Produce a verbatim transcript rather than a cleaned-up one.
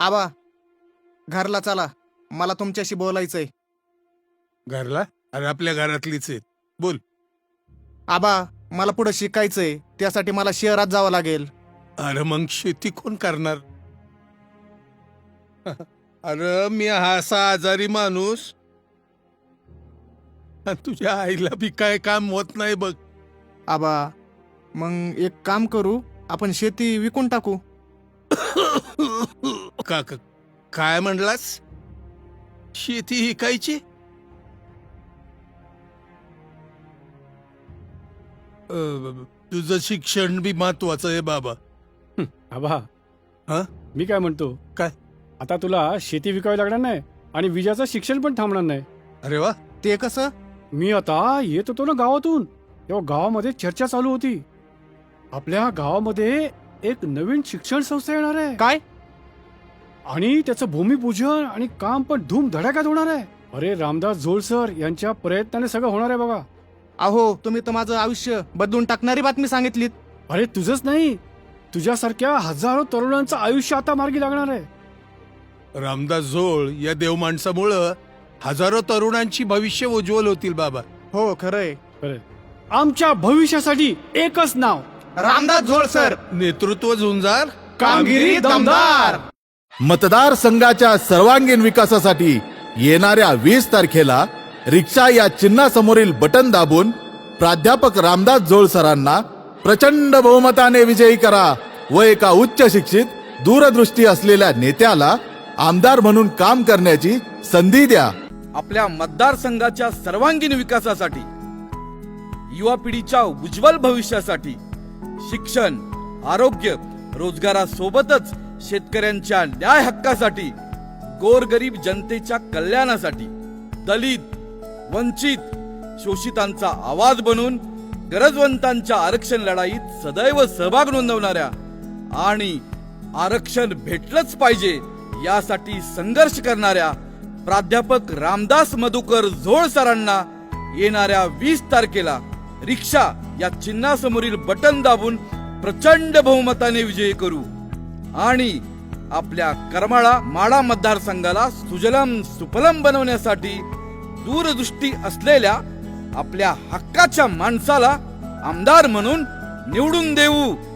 आबा, घरला चला, मला तुमच्याशी बोलायचंय. घरला? अरे आपल्या घरातलीच आहेत, बोल. आबा, मला पुढे शिकायचंय, त्यासाठी मला शहरात जावं लागेल. अरे मग शेती कोण करणार? अरे मी हा असा आजारी माणूस, आणि तुझ्या आईला बी काय काम होत नाही बघ. आबा, मग एक काम करू, आपण शेती विकून टाकू. का का- काय म्हणलास? शेती विकायची? अ, तुझं शिक्षण बी महत्वाचं आहे बाबा. आबा, हा? मी काय म्हणतो, काय? आता तुला शेती विकावी लागणार नाही आणि विजाचं शिक्षण पण थांबणार नाही. अरे वा, ते कसं? मी आता येत होतो ना गावातून, तेव्हा गावामध्ये चर्चा चालू होती. आपल्या गावामध्ये एक नवीन शिक्षण संस्था येणार आहे. काय? आणि त्याचं भूमिपूजन आणि काम पण धूम धडाक्यात होणार आहे. अरे रामदास जोळ सर यांच्या प्रयत्नाने सगळं होणार आहे बघा. अहो, तुम्ही तर माझं आयुष्य बदलून टाकणारी बातमी सांगितलीत. अरे तुझंच नाही, तुझ्यासारख्या हजारो तरुणांचं आयुष्य आता मार्गी लागणार आहे. रामदास जोळ या देव माणसामुळं हजारो तरुणांची भविष्य उज्ज्वल होतील बाबा. हो, खरंय. अरे आमच्या भविष्यासाठी एकच नाव, रामदास झोळ सर. नेतृत्व झुंजार, कामगिरी दमदार. मतदार संघाच्या सर्वांगीण विकासासाठी येणाऱ्या वीस तारखेला रिक्षा या चिन्हासमोरील बटन दाबून प्राध्यापक रामदास जोळ सरांना प्रचंड बहुमताने विजयी करा व एका उच्च शिक्षित दूरदृष्टी असलेल्या नेत्याला आमदार म्हणून काम करण्याची संधी द्या. आपल्या मतदारसंघाच्या सर्वांगीण विकासासाठी, युवा पिढीच्या उज्ज्वल भविष्यासाठी, शिक्षण, आरोग्य, रोजगारासोबतच शेतकऱ्यांच्या न्याय हक्कासाठी, गोरगरीब जनतेच्या कल्याणासाठी, दलित, वंचित, शोषितांचा आवाज बनून गरजवंतांच्या आरक्षण लढाईत सदैव सहभाग नोंदवणाऱ्या आणि आरक्षण भेटलंच पाहिजे यासाठी संघर्ष करणाऱ्या प्राध्यापक रामदास मधुकर झोळ सरांना येणाऱ्या वीस तारखेला रिक्षा या चिन्हासमोरील बटन दाबून प्रचंड बहुमताने विजयी करू आणि आपल्या करमाळा माडा मतदारसंघाला सुजलम सुफलम बनवण्यासाठी दूरदृष्टी असलेल्या आपल्या हक्काच्या माणसाला आमदार म्हणून निवडून देऊ.